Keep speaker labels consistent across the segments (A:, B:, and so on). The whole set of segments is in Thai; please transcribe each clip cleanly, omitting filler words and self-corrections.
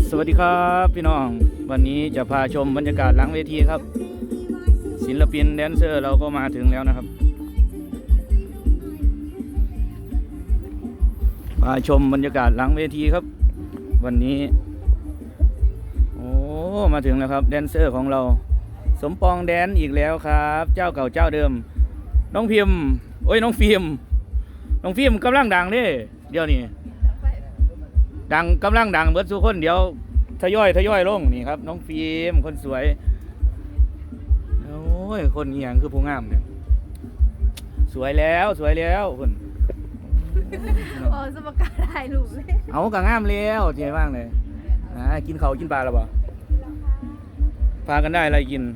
A: สวัสดีครับพี่น้องวันนี้จะพาชมบรรยากาศหลังเวทีครับศิลปินแดนเซอร์เราก็มาถึงแล้วนะครับพาชมบรรยากาศหลังเวทีครับวันนี้โอ้มาถึงแล้วครับแดนเซอร์ของเราสมปองแดนอีกแล้วครับเจ้าเก่าเจ้าเดิมน้องพิมพ์น้องฟิล์มกำลังดังเด้เดี๋ยวนี้ดังกำลังดังเบิดทุกคนเดี๋ยวทยอยลงนี่ครับน้องฟิล์มคนสวยโอ้ยคนนี้อย่างคือผู้งามเนี่ยสวยแล้วคน
B: สมการถ่ายรูปเลย
A: เอากะงามแล้วเจ๋งมากเลยกินเขากินปลาแล้วบ่พากันได้อะไรกิน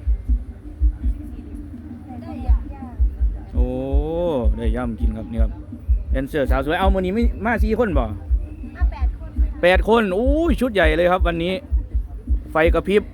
A: โอ้ได้ย่ำกินครับนี่ครับแดนเซอร์สาวสวยเอามื้อนี้ไม่มา4 คนบ่8 คนอู้ชุดใหญ่เลยครับวันนี้ไฟกระพริบ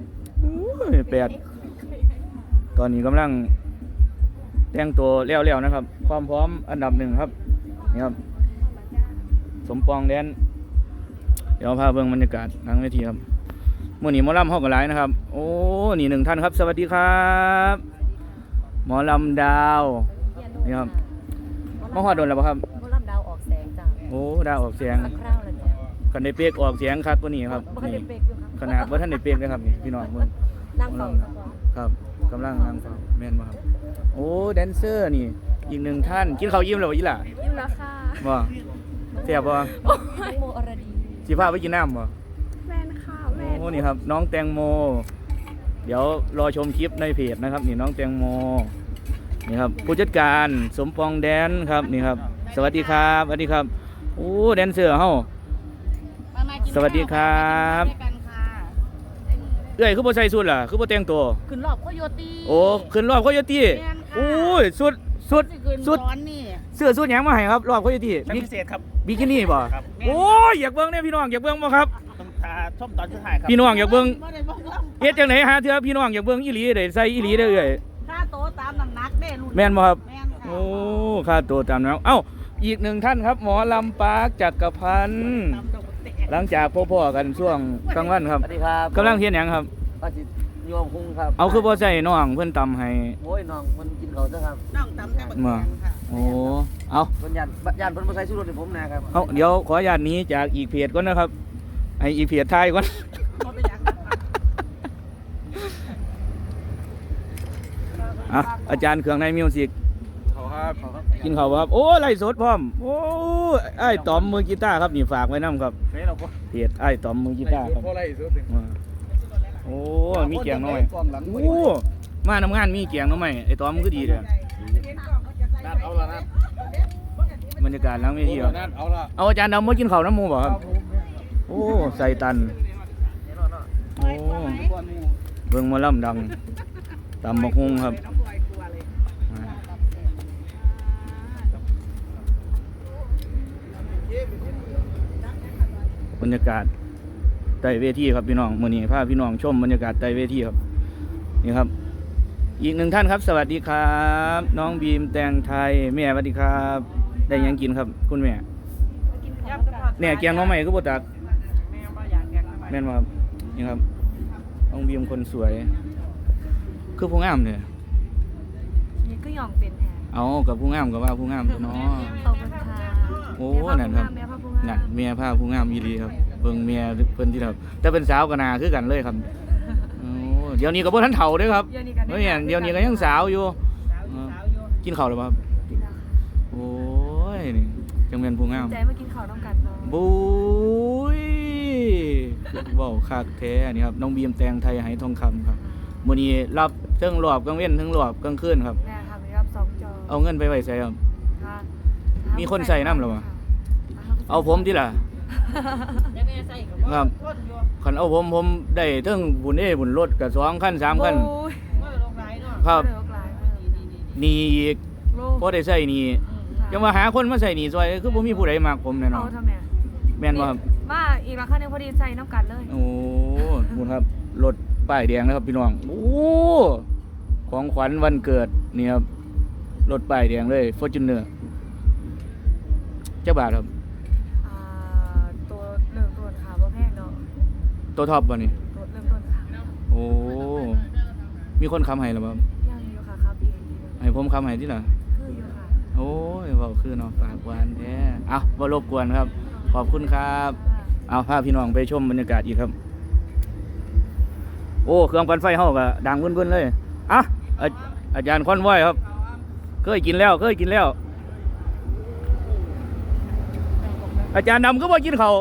A: 8ตอนนี้กำลังแต่งตัวเลี้ยวๆนะครับความพร้อมอันดับ1ครับนี่ครับสมปองแดนเดี๋ยวพาเบิ่งบรรยากาศหลังเวทีครับมื้อนี้หมอลำเฮาก็หลายนะครับโอ้นี่1ท่านครับสวัสดีครับหมอลำดาวนี่ครับมาฮอดโดนแล้วบ่ครับ
B: หมอลำดาวออกแสงจ้ะ
A: โอ้ดาวออกแสง
B: คราวแล้วจ้ะ
A: คันได้เปียกออกเสียงคักกว่านี้ครับนี่ขนาดว่าท่านได้เปียกนะครับนี่พี่น้องมึง
B: นั่งฟัง
A: ครับกำลังนั่งฟังแม่นบ่ครับโอ้แดนเซอร์นี่อีก1ท่านกินข้าวยิ้มแล้วบ่อีหล่ะ
B: ยิ้มแล้วค่ะ
A: บ่แซ่บบ่
B: โมอรดี
A: สิพาไปกินน้ำบ่
B: แม่นค่ะแม่
A: โอ้นี่ครับน้องแตงโมเดี๋ยวรอชมคลิปในเพจนะครับนี่น้องแตงโมนี่ครับผู้จัดการสมปองแดนครับนี่ครับสวัสดีครับโอ้แดนเซอร์เฮาสวัสดีครับคือบ่ใส่สุดล่ะคือบ่แต่งตัว
B: ขึ้นรอบโคโยตี้
A: โอ้ขึ้นรอบโคโยตี้โอ้ยสุดเสื้อสุดหยังมาให้ครับรอบโคโยตี้
C: พิเศษครับ
A: บิกินี่บ่โอ้ยอยากเบิ่งเนี่ยพี่น้องอยากเบิ่งบ่ครับ
C: ชมตอนสุดท้ายครับ
A: พี่น้องอยากเบิ่งเฮ็ดจังได๋หาเทื่อพี่น้องอยากเบิ่งอีหลีได้ใส่อีหลีได้เอ้ย
B: ค่าโตตามน้ำหนักเด้รุ่น
A: แม่นบ่ครับโอ้ค่าตัวตามน้ำเอ้าอีก1ท่านครับหมอลำปาร์คจักรพันธ์หลังจากพ่อๆกันช่วงกลางวันครับ
C: สวัสดีครับ
A: กำลังเฮ็ดหยังครับ
C: ก็สิโยมคุ้งครับ
A: เอาคือบ่ใส่น้องเพิ่นตำให้
C: โอ้ยน้องมันกินเขาซะครับน้องตำแต่บักแตงค่ะ
A: โอ้เอา
C: เพิ่นย่านเพิ่นบ่ใส่ชูรสให้ผมนะครับ
A: เอาเดี๋ยวขออนุญาตนี้จากอีกเพจก่อนนะครับให้อีกเพจท้ายก่อนอาจารย์เครื่องในมิวสิกกินข้าวครับโอ้ไล่สดพร้อมโอ้ไอ้ต๋อมมือกีตาร์ครับนี่ฝากไว้นำครับเพจไอ้ต๋อมมือกีตาร์ครับโอ้มีแกงน้อยโอ้มานำงานมีแกงน้อยไอ้ต๋อมคือดีเลยบรรยากาศหลังเวทีครับเอาอาจารย์ดำมากินข้าวน้ำหมูบ่ครับโอ้ใส่ตันโอ้เบิ่งหมอลำดังตำบักหุ่งครับบรรยากาศใต้เวทีครับพี่น้องมื้อนี้พาพี่น้องชมบรรยากาศใต้เวทีครับนี่ครับอีก1ท่านครับสวัสดีครับน้องบีมแตงไทยแม่สวัสดีครับได้ยังกินครับคุณแม่เนี่ยแกงน้องใหม่ก็บ่ตักแม่นบ่ครับนี่ครับน้องบีมคนสวยคือผู้งามเนี่ย
B: นี่ก็ยอมเป็นแทน
A: เอากับผู้งามกับว่าผู้งามตัวน้อโอ้นั่นครับนั่นเมียผ้าผู้งามอีหลีครับเบิ่งเมียเพิ่นที่ครับแต่เป็นสาวก็น่าคือกันเลยครับโอ้เดี๋ยวนี้ก็บ่ทันเฒ่าเด้อครับเฮ้ยเดี๋ยวนี้ก็ยังสาวอยู่กินข้าวหรือเปล่าโอ้ยนี่จังแม่นผู้งาม
B: ใจมากินข้าวน้ำกัน
A: บุ้ยเว้าคักแท้นี่ครับน้องบีมแตงไทยไหทองคำครับมื้อนี้รับเทั้งรอบกลางเว้นเทั้งรอบกลางคืนครับ
B: แม่ครับรับ2 จอ
A: เอาเงินไปไว้ใส่ครับมีคนใส่น้ำหรือเปล่าเอาผมที่ล่ะครับคันเอาผมได้เทั้งบุญบุญรถกับ2 คัน 3 คันครับนี่อีกพอได้ใส่นี่จะมาหาคนมาใส่นี่ซอยคือบ่มีผู้ใดมักผมแน่นอนแม่นบ่ครับ
B: มาอีกราคานึงพอดีใส่น้ำกันเลย
A: โอ้คุณครับรถป้ายแดงนะครับพี่น้องโอ้ของขวัญวันเกิดนี่ครับรถป้ายแดงเลย Fortuner เจ้าบาทครับ
B: ตัว1 ตัวค่ะบ่แพงเนาะ
A: ตัวท็อปบ่นี่
B: รถเริ่มต้นค่ะ
A: โอ้มีคนค้ำให้หรือเปล่า
B: ยังอยู่ค่ะครับอีกทีหนึง
A: ให้ผมค้ำให้ที่ล่ะ
B: คืออยู่ค่ะ
A: โอ้ยเว้าคือเนาะปากหวานแท้เอาบ่รบกวนครับ ขอบคุณครับ เอาพาพี่น้องไปชมบรรยากาศอีกครับ โอ้เครื่องปั่นไฟเฮาก็ดังวุ่นๆเลยอ่ะอาจารย์คอนไว้ครับเคยกินแล้ว อาจารย์ดำก็บ่กินข้าว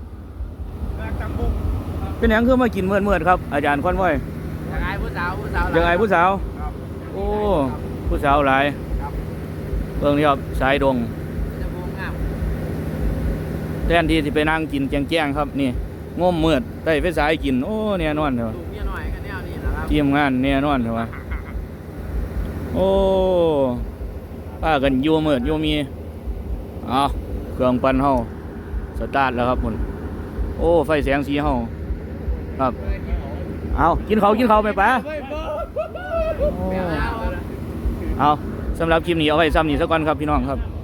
A: เป็นหยังคือมากินเมื่อๆครับ อาจารย์คอนไว้
C: ยังไงผู้สาว
A: ยังไงผู้สาว โอ้ผู้สาวหลายเบิ่งนี่ครับสายดง
C: จะบูมงาม
A: แทนที่สิไปนั่งกินแจ้งๆครับนี่ง่มมืดได้ไฟสายกินโอ้แน่นอนเถอะ
C: ถูกเมียหน่อยกันแนวนี้นะครับ
A: ทีมงานแน่นอนเถอะวะโอ้ป้ากันอยู่มืดอยู่มีเอาเครื่องปั่นเฮาสตาร์ทแล้วครับคุณโอ้ไฟแสงสีเฮาครับเอากินข้าวไปป้าเอาสำหรับคลิปนี้เอาไว้ซ้ำนี่สักก่อนครับพี่น้องครับ